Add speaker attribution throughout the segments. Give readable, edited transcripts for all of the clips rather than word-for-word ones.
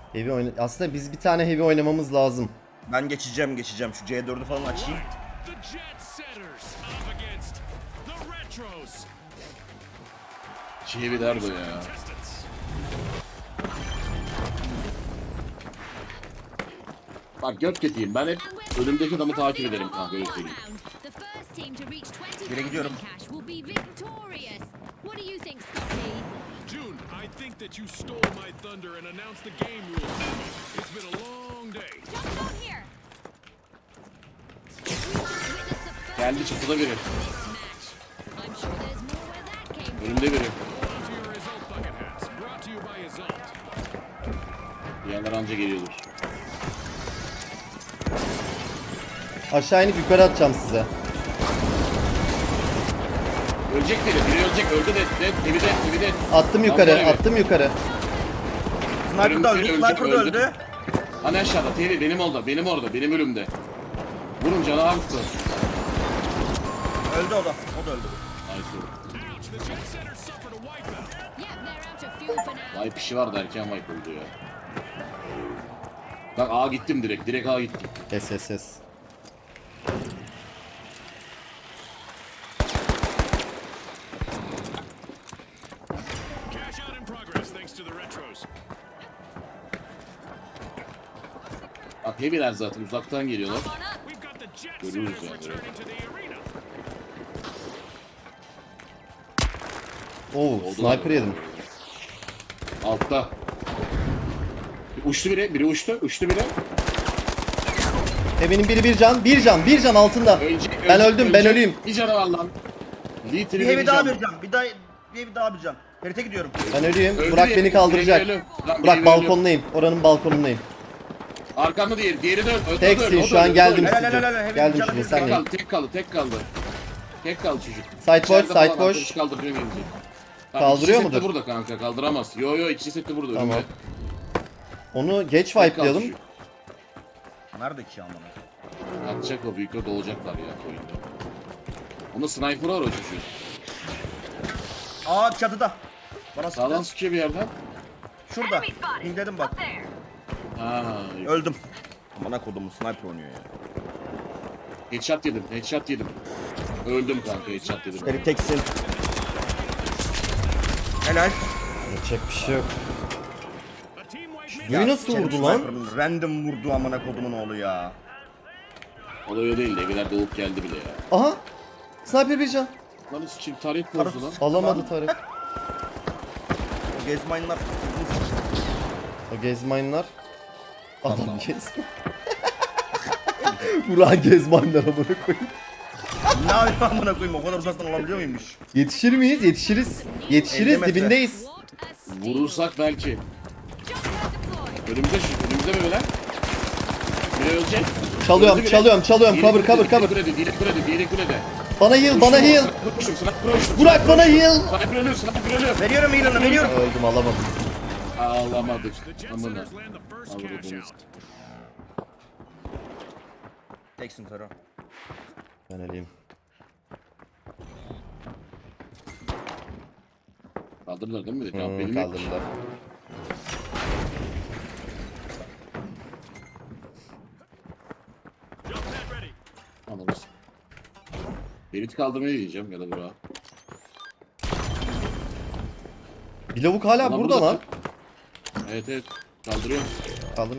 Speaker 1: Heavy oyna... Aslında biz bir tane heavy oynamamız lazım.
Speaker 2: Ben geçeceğim. Şu C4'ü falan açayım.
Speaker 3: Şey bir derdo ya. Bak göt ketiyim. Ben hep önümdeki adamı takip ederim kanka. Öyle söyleyeyim.
Speaker 2: Bire gidiyorum.
Speaker 4: June, I think that you stole my thunder and announced the game rules. It's been a long day.
Speaker 3: Geldi çatıda biri. Önümde biri.
Speaker 4: On to your result, bucket hats. Brought to you by Azalt.
Speaker 3: Diğerler anca geliyordur.
Speaker 1: Aşağı inip yukarı atacağım size.
Speaker 3: Ölecek biri. Biri ölecek. Öldü de. Evi de.
Speaker 1: Attım yukarı,
Speaker 3: Lan bu
Speaker 1: attım yukarı.
Speaker 2: Sniper da öldü.
Speaker 3: Öldü,
Speaker 2: Sniper da öldü.
Speaker 3: Hani aşağıda. TV benim orada. Benim ölümde. Vurun canavar mısın?
Speaker 2: Öldü o da. O da öldü.
Speaker 4: Ouch, the Jet Center suffered a wipeout.
Speaker 3: Vay pişi var derken wipe oldu ya. Bak A gittim direkt. Direkt A gittim.
Speaker 1: Ses.
Speaker 4: Cash out in progress thanks to the retros.
Speaker 3: Bak heavy'ler zaten uzaktan geliyorlar.
Speaker 4: We've got the Jet
Speaker 3: Görüyoruz
Speaker 4: Centers
Speaker 3: yani.
Speaker 4: returning to the arena.
Speaker 1: Oo, sniper yedim.
Speaker 3: Altta. Uçtu biri uçtu biri.
Speaker 1: Benim biri bir can altında. Ben öldüm, ben öleyim.
Speaker 3: Bir canı var lan. Litre
Speaker 2: Bir heavy daha bir can. Bir heavy daha bir can. Ferit'e gidiyorum.
Speaker 1: Ben öleyim.
Speaker 3: Öldü
Speaker 1: Burak
Speaker 3: diye-
Speaker 1: beni kaldıracak.
Speaker 3: diğeri ölü. Lan
Speaker 1: Burak
Speaker 3: diğeri
Speaker 1: balkondayım. Oranın balkonundayım.
Speaker 3: Arkamda diğeri de öldü.
Speaker 1: Teksin şu an geldim
Speaker 2: Helal,
Speaker 1: size.
Speaker 2: helal, helal, helal.
Speaker 1: Geldim
Speaker 2: Canım
Speaker 1: şimdi
Speaker 2: bir
Speaker 3: Tek
Speaker 1: senleyim.
Speaker 3: kaldı, tek kaldı. Tek kaldı çocuk.
Speaker 1: Site boş,
Speaker 3: İçeride
Speaker 1: site
Speaker 3: falan
Speaker 1: boş.
Speaker 3: arkadaşı kaldırıyor gelince.
Speaker 1: Kaldırıyor
Speaker 3: ikisi
Speaker 1: mudur?
Speaker 3: seti burada kanka, kaldıramaz. Yo ikisi seti burada
Speaker 1: Tamam.
Speaker 3: önümde.
Speaker 1: Onu geç
Speaker 3: Tek kaldı
Speaker 1: wipe'layalım.
Speaker 3: çocuk.
Speaker 2: Nerede ki amına?
Speaker 3: Atacak o büyükler dolacaklar ya oyunda. Onda sniper var o çocuğun.
Speaker 2: Aa çatıda. Bana
Speaker 3: Sağdan
Speaker 2: sıktı.
Speaker 3: sıkıyor bir yerden.
Speaker 2: Şurada. Pingledim bak.
Speaker 3: Ha,
Speaker 2: Öldüm. Amına kodumu sniper oynuyor ya.
Speaker 3: headshot yedim. Öldüm kanka, headshot yedim.
Speaker 2: Ferit teksin. Helal.
Speaker 1: Yapacak bir şey yok.
Speaker 4: A team wipe
Speaker 1: Suyu nasıl vurdu lan?
Speaker 2: Sniper'ın random vurdu amına kodumun oğlu ya.
Speaker 3: Olay o değil de evler doğup geldi bile ya.
Speaker 1: Aha! Sniper bir can.
Speaker 3: Lan için taret bozdu lan.
Speaker 1: Alamadı Tarık.
Speaker 2: O gezmayınlar.
Speaker 1: O gezmayınlar. Adam gezme. Burak gezmayınlar amına koyayım.
Speaker 2: Ne yapayım amına koyayım, o kadar uzaktan olabiliyor muymuş?
Speaker 1: Yetişir miyiz? Yetişiriz.
Speaker 2: 50
Speaker 1: Yetişiriz,
Speaker 2: metre.
Speaker 1: dibindeyiz.
Speaker 3: Vurursak belki. Önümüzde mi böyle? Biri ölecek.
Speaker 1: Çalıyorum,
Speaker 3: Öldü biri.
Speaker 1: çalıyorum.
Speaker 3: Diğeri
Speaker 1: Cover.
Speaker 3: Diğeri kulede.
Speaker 1: Bana heal.
Speaker 3: Uçtum, sniper uçtum.
Speaker 1: Burak bana heal.
Speaker 3: Sniper ölüyor.
Speaker 2: Veriyorum heal'ını, veriyorum.
Speaker 1: Öldüm, alamadım.
Speaker 3: Ağlamadık.
Speaker 4: The Jet
Speaker 3: Amına.
Speaker 4: Centers land the first
Speaker 3: Avradınız.
Speaker 4: cash out.
Speaker 2: Teksin Fero.
Speaker 1: Ben öleyim.
Speaker 3: Kaldırdılar değil mi? Tamam, benim yok.
Speaker 1: Kaldırdılar.
Speaker 4: Jump pad ready.
Speaker 3: Anladınız. Berit'i kaldırmayı diyeceğim ya da Burak'a.
Speaker 1: Bir lavuk hala
Speaker 3: Ulan
Speaker 1: burada lan.
Speaker 3: Evet. Kaldırıyorum.
Speaker 1: Kaldım.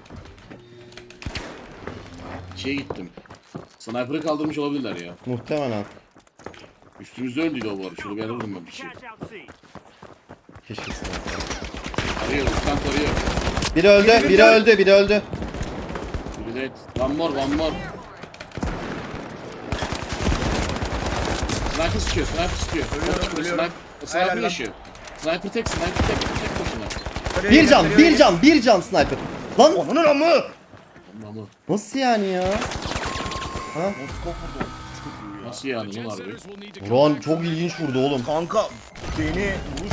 Speaker 3: Şeye gittim. Sniper'ı kaldırmış olabilirler ya.
Speaker 1: Muhtemelen.
Speaker 3: Üstümüzde öldüydü o bu arada. Şurada bir yerde vurdum ben bir şey.
Speaker 1: Keşke sniper.
Speaker 3: Arıyor, uçtan tarıyor.
Speaker 1: Biri öldü.
Speaker 3: Biri de one more. Sniper sıkıyor.
Speaker 2: Ölüyorum.
Speaker 3: Sniper
Speaker 2: Helal lan.
Speaker 3: yaşıyor. Sniper tek başına.
Speaker 1: Bir can sniper. Lan
Speaker 2: Onun amı.
Speaker 3: Ama
Speaker 1: nasıl yani ya?
Speaker 3: nasıl yani
Speaker 4: Jet
Speaker 3: lan harbi?
Speaker 4: Centers will need to come
Speaker 1: Buran
Speaker 4: back
Speaker 1: çok
Speaker 4: from
Speaker 1: ilginç vurdu oğlum.
Speaker 2: Kanka beni vuruş.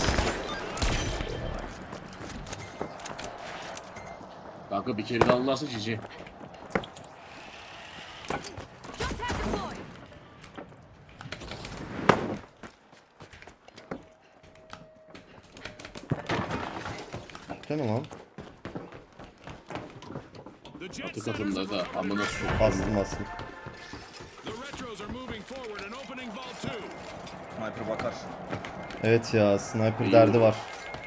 Speaker 3: Kanka bir kere de alırlarsa cici.
Speaker 1: Değil mi lan?
Speaker 4: The Jet
Speaker 3: Atı
Speaker 4: Setters
Speaker 3: katında
Speaker 4: have
Speaker 3: da
Speaker 4: recovered
Speaker 3: amına
Speaker 4: an
Speaker 3: sokayım.
Speaker 1: Bastım bastım.
Speaker 4: The Retros are moving forward and opening Vault 2.
Speaker 2: Sniper bakar.
Speaker 1: Evet ya, sniper
Speaker 3: İyi
Speaker 1: derdi
Speaker 3: oldu.
Speaker 1: var.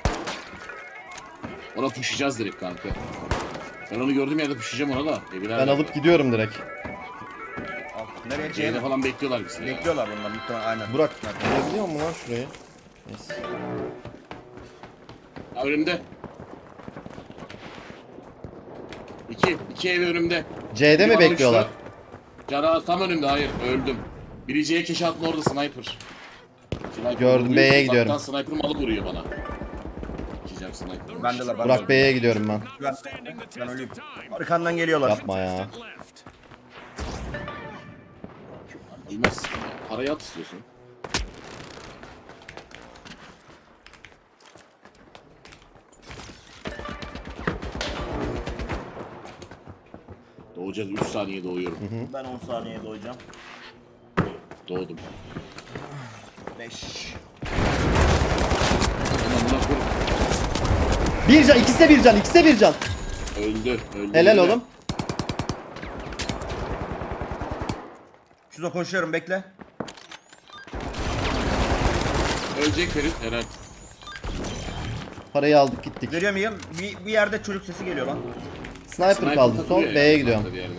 Speaker 3: Ona pushlayacağız direkt kanka. Ben onu gördüğüm yerde pushlayacağım ona da. Evler
Speaker 1: Ben alıp gidiyorum direkt.
Speaker 2: Al. Nereye
Speaker 3: C'de
Speaker 2: C'de
Speaker 3: falan bekliyorlar bizi ya.
Speaker 2: bekliyorlar bunlar muhtemelen aynen.
Speaker 1: Burak, görebiliyor musun lan şurayı? Neyse.
Speaker 3: Ha, önümde. İki ev önümde.
Speaker 1: C'de
Speaker 3: Biri
Speaker 1: mi
Speaker 3: bana
Speaker 1: bekliyorlar?
Speaker 3: uçtu. Cana tam önümde, hayır öldüm. Biri C'ye keşe attı, orada sniper. Sniper
Speaker 1: Gördüm,
Speaker 3: vuruyor,
Speaker 1: B'ye
Speaker 3: uzaktan
Speaker 1: gidiyorum.
Speaker 3: Sniper malı vuruyor bana. Geçeceğim sniper.
Speaker 2: Ben de la ben.
Speaker 1: Burak B'ye gidiyorum ben.
Speaker 2: Ben öleyim. Arkandan geliyorlar.
Speaker 1: Yapma ya.
Speaker 4: Left.
Speaker 3: Bilmezsin ya. Parayı at istiyorsun. Doğacağız, 3 saniye doğuyorum.
Speaker 2: Ben 10 saniyeye doyacağım.
Speaker 3: Doğdum.
Speaker 2: 5.
Speaker 3: Aman buna koy.
Speaker 1: Bir can, ikisi de bir can, ikisi de bir can.
Speaker 3: Öldü.
Speaker 1: Helal
Speaker 3: öldü.
Speaker 1: oğlum.
Speaker 2: Şurada koşuyorum bekle.
Speaker 3: Ölecek Ferit, helal.
Speaker 1: Parayı aldık gittik.
Speaker 2: Görüyor muyum? Bir yerde çocuk sesi geliyor lan.
Speaker 1: Sniper kaldı son,
Speaker 3: takılıyor
Speaker 1: B'ye
Speaker 3: ya,
Speaker 1: gidiyorum.
Speaker 3: bir yerde.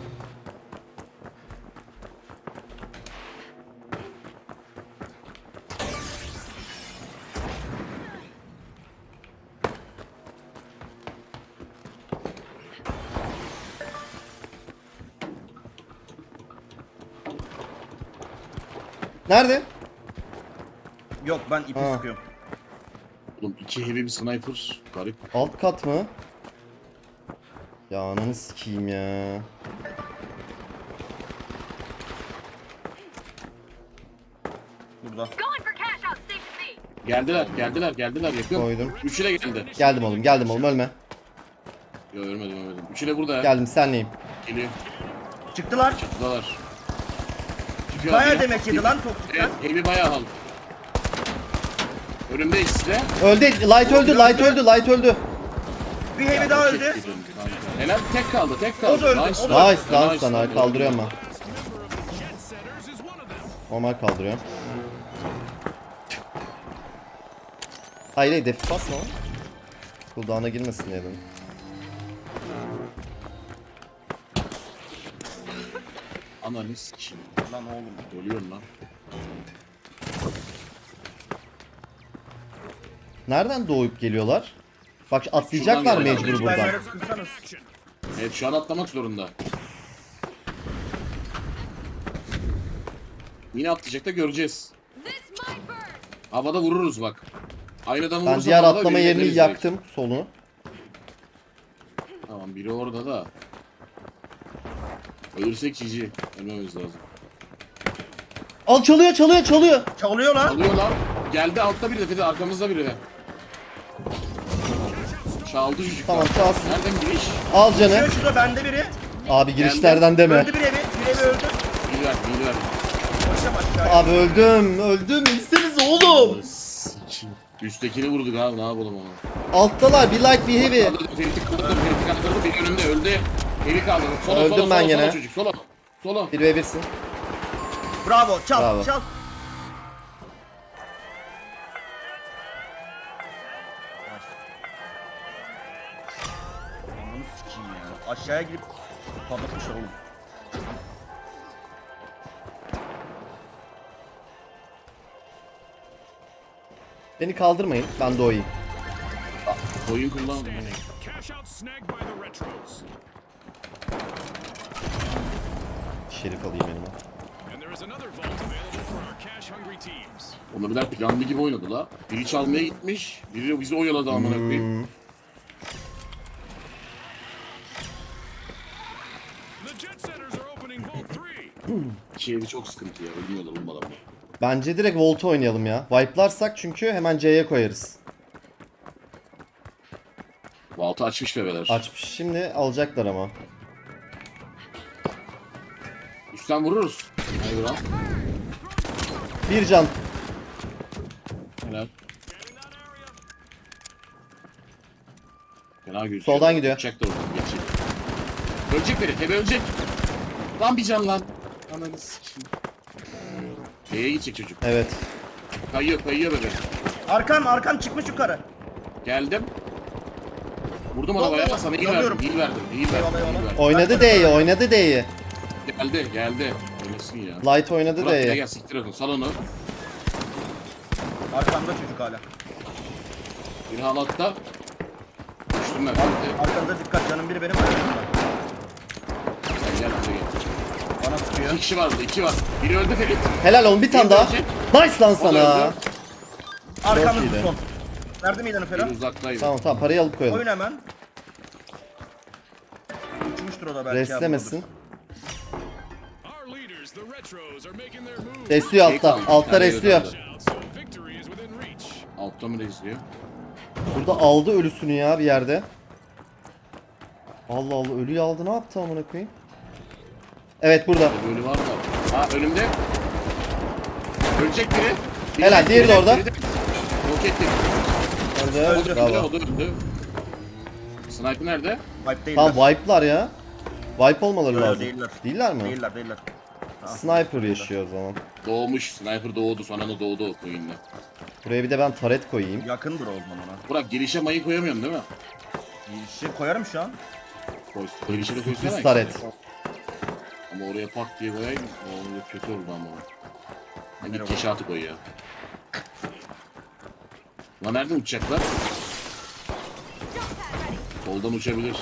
Speaker 1: Nerede?
Speaker 2: Yok ben ipi
Speaker 1: Ha.
Speaker 2: sıkıyorum.
Speaker 3: Oğlum 2 heavy bir sniper. Garip.
Speaker 1: Alt kat mı? Ya ananı sikeyim ya.
Speaker 2: Burada.
Speaker 5: Going for cash out station B.
Speaker 3: Geldiler yakın.
Speaker 1: Koydum.
Speaker 3: Üçü de geldi.
Speaker 1: Geldim oğlum ölme.
Speaker 3: Yok ölmedim. Üçü de burada.
Speaker 1: Geldim senleyim.
Speaker 3: Geliyor.
Speaker 2: Çıktılar.
Speaker 3: Buradalar. Çıkıyor
Speaker 2: Bayağı
Speaker 3: abi.
Speaker 2: demek yedi lan topçuklar.
Speaker 3: Evet, heavy bayağı al. Önümde ikisi de.
Speaker 1: Öldü, light öldü.
Speaker 2: Bir heavy daha öldü.
Speaker 3: Helal, tek kaldı.
Speaker 2: O da öldü,
Speaker 3: Nice
Speaker 2: o da
Speaker 3: lan.
Speaker 1: Nice lan
Speaker 3: Nice
Speaker 1: sana,
Speaker 3: lan.
Speaker 1: kaldırıyorum ben.
Speaker 4: Jet Setters is one of them.
Speaker 1: Normal kaldırıyorum. Hayır defif basma lan. Cooldown'a girmesin diye dedim.
Speaker 3: Ananı sikeyim.
Speaker 2: Lan oğlum.
Speaker 3: Ölüyorum lan.
Speaker 1: Nereden doğup geliyorlar? Bak atlayacaklar
Speaker 3: Şuradan
Speaker 1: mecbur
Speaker 3: geliyorlar.
Speaker 1: buradan.
Speaker 2: Mermer'e sıkırsanız.
Speaker 3: Evet şu an atlamak zorunda. Yine atlayacak da göreceğiz.
Speaker 5: This might burn.
Speaker 3: Havada vururuz bak. Aynı adamı
Speaker 1: Ben
Speaker 3: vurursak
Speaker 1: diğer
Speaker 3: havada
Speaker 1: atlama
Speaker 3: birini
Speaker 1: yerini
Speaker 3: ederiz
Speaker 1: yaktım solunu.
Speaker 3: direkt. Tamam biri orada da. Ölürsek GG. Ölmemiz lazım.
Speaker 1: Al çalıyor.
Speaker 2: Çalıyor lan.
Speaker 3: Alıyor lan. Geldi altta biri de Fede, arkamızda biri de. Çaldı çocuk.
Speaker 1: Tamam, çalsın.
Speaker 3: Nereden giriş?
Speaker 1: Al canı.
Speaker 2: Şurada bende biri.
Speaker 1: Abi girişlerden deme.
Speaker 2: Öldü bir evi. Bir evi öldü.
Speaker 3: Biri ver.
Speaker 2: Koşacağım aşağıya.
Speaker 1: Abi öldüm. İnseniz oğlum.
Speaker 3: Sikim. Üsttekini vurduk abi, ne yapalım onu.
Speaker 1: Alttalar, bir light bir heavy.
Speaker 3: Ferit'i kaldırdı, biri önümde öldü. Eli kaldırdı. Sola,
Speaker 1: Öldüm
Speaker 3: sola,
Speaker 1: ben
Speaker 3: sola,
Speaker 1: gene.
Speaker 3: sola çocuk, sola. Sola.
Speaker 1: 1v1'sin.
Speaker 2: Bravo. Çal.
Speaker 1: Bravo.
Speaker 2: Çal. Ananı sikeyim ya. Aşağıya girip patlatmışlar oğlum.
Speaker 1: Beni kaldırmayın, ben doğayım.
Speaker 3: Oyun kullan.
Speaker 4: Cash out snagged by the Retros.
Speaker 1: Şerif alayım elime.
Speaker 4: And there is another vault available for our cash-hungry teams.
Speaker 3: Onlar birer planlı gibi oynadı la. Biri çalmaya gitmiş, biri bizi oyaladı amına koyayım.
Speaker 4: The Jet Setters are opening Vault 3.
Speaker 3: İki evi çok sıkıntı ya, ölmüyorlar oğlum adamlar.
Speaker 1: Bence direkt Volt'u oynayalım ya. Wipe'larsak çünkü hemen C'ye koyarız.
Speaker 3: Vault'u açmış bebeler.
Speaker 1: Açmış. Şimdi alacaklar ama.
Speaker 3: Üstten vururuz. Hayır lan.
Speaker 1: Bir can.
Speaker 3: Helal. Fena gözüküyor.
Speaker 1: Soldan gidiyor.
Speaker 3: Uçak da oradan geçecek. Ölecek biri. Tebe ölecek. Lan bir can lan. Ananı sikeyim. B'ye gidecek çocuk.
Speaker 1: Evet.
Speaker 3: Kayıyor bebe.
Speaker 2: Arkan çıkmış yukarı.
Speaker 3: Geldim. Vurdum
Speaker 2: Yok,
Speaker 3: arabaya.
Speaker 2: yok,
Speaker 3: Sana iyi
Speaker 2: alıyorum.
Speaker 3: verdim.
Speaker 2: Eyvallah, eyvallah.
Speaker 1: Oynadı D'yi, oynadı D'yi.
Speaker 3: Geldi. Oynasın ya.
Speaker 1: Light oynadı
Speaker 3: Burak gel
Speaker 1: D'yi.
Speaker 3: gel siktir atın. Sal onu.
Speaker 2: Arkamda çocuk hala.
Speaker 3: Bir halatta. Düştüm ben.
Speaker 2: Arkamda dikkat, canım biri benim arkamda.
Speaker 3: Sen gel buraya gel.
Speaker 2: Bana sıkıyor.
Speaker 3: 2 kişi vardı. 2 var. Biri öldü Ferit.
Speaker 1: Helal oğlum, bir tane daha. Nice lan
Speaker 3: O da
Speaker 1: sana.
Speaker 3: öldü.
Speaker 2: Arkamız
Speaker 1: iyiydi.
Speaker 2: son. Verdim ilanı falan.
Speaker 3: Biri uzaktaydı.
Speaker 1: Tamam parayı alıp koyalım.
Speaker 2: Oyun hemen. Uçmuştur o da belki.
Speaker 1: Restlemesin.
Speaker 4: Our leaders, the Retros, are making their move.
Speaker 1: Restliyor altta.
Speaker 3: kaldı,
Speaker 1: Altta
Speaker 3: bir tane
Speaker 1: restliyor.
Speaker 3: öldü.
Speaker 4: So victory is within reach.
Speaker 3: Altta mı izliyor?
Speaker 1: Burada aldı ölüsünü ya bir yerde. Allah Allah, ölüyü aldı, ne yaptı amına koyayım? Evet burada.
Speaker 3: Böyle var da. Ha önümde. Ölecek biri.
Speaker 1: Helal, diğeri de orada.
Speaker 3: Yok ettim.
Speaker 1: Öldü.
Speaker 3: O da
Speaker 1: Bravo.
Speaker 3: öldü. Sniper nerede?
Speaker 2: Wipe değiller.
Speaker 1: Tamam wipe'lar ya. Wipe olmaları
Speaker 2: Yok,
Speaker 1: lazım.
Speaker 2: değiller.
Speaker 1: Değiller mi?
Speaker 2: Değiller.
Speaker 1: Sniper yaşıyor o zaman.
Speaker 3: Doğmuş. Sniper doğdu. Sonra da doğdu o oyunda.
Speaker 1: Buraya bir de ben taret koyayım.
Speaker 2: Yakındır o zaman ona.
Speaker 3: Burak girişe mayı koyamıyorsun değil mi?
Speaker 2: Şey koyarım şu an.
Speaker 3: Koy. Girişe de koysana.
Speaker 1: Sürpriz taret.
Speaker 3: Ama oraya pak diye koyayım. O kötü oldu ama. Hani git keşatı koy ya. Lan nereden uçacaklar? Soldan uçabilir.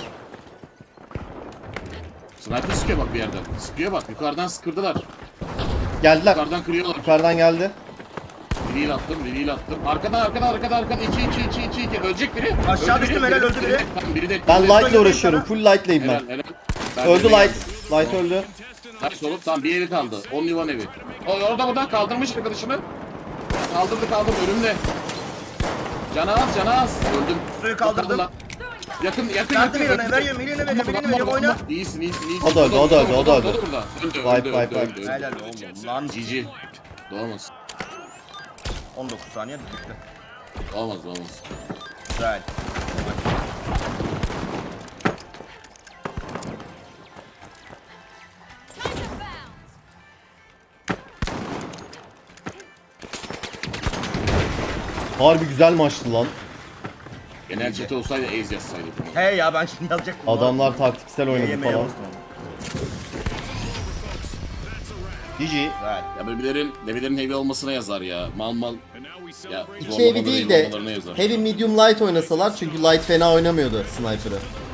Speaker 3: Sniper sıkıyor bak bir yerden. Sıkıyor bak. Yukarıdan sıkırdılar.
Speaker 1: Geldiler.
Speaker 3: Yukarıdan kırıyorlar.
Speaker 1: Yukarıdan geldi.
Speaker 3: Biriyle attım. Arkadan. 2. Ölecek biri.
Speaker 2: Aşağı
Speaker 3: Öldü
Speaker 2: düştüm,
Speaker 3: biri,
Speaker 2: helal, öldü biri.
Speaker 3: Tamam, biri de.
Speaker 1: Ben
Speaker 3: biri de-
Speaker 1: light'la uğraşıyorum. Full light'layım ben.
Speaker 3: Helal. Ben
Speaker 1: Öldü
Speaker 3: de
Speaker 1: light.
Speaker 3: geldim.
Speaker 1: Light öldü.
Speaker 3: Nice oğlum. Tamam bir evi kaldı. Only one evi. O orada buradan kaldırmış arkadaşını. Kaldırdı önümde. Canı az. Öldüm.
Speaker 2: Suyu kaldırdım.
Speaker 3: Lan. Yakın.
Speaker 2: Verdim ilanı, veriyorum, oyna.
Speaker 3: İyisin.
Speaker 1: O da öldü.
Speaker 3: Burada.
Speaker 1: Wipe.
Speaker 3: Öldü.
Speaker 2: Helal oğlum lan.
Speaker 3: GG. Doğmaz.
Speaker 2: 19 saniye bitti.
Speaker 3: Olmaz.
Speaker 2: Güzel.
Speaker 1: Harbi güzel maçtı lan.
Speaker 3: Genel chat olsaydı Ace yazsaydı.
Speaker 2: He ya, ben şimdi yazacaktım.
Speaker 1: Adamlar taktiksel oynadı
Speaker 2: Yemeğe
Speaker 1: falan.
Speaker 2: bastım onu.
Speaker 1: GG.
Speaker 2: Güzel.
Speaker 3: Ya bebelerin heavy olmasına yazar ya. Mal.
Speaker 4: And now we
Speaker 3: Ya
Speaker 4: celebrate.
Speaker 1: İki evi değil de
Speaker 3: olmalarına yazar.
Speaker 1: heavy medium light oynasalar, çünkü light fena oynamıyordu sniper'ı.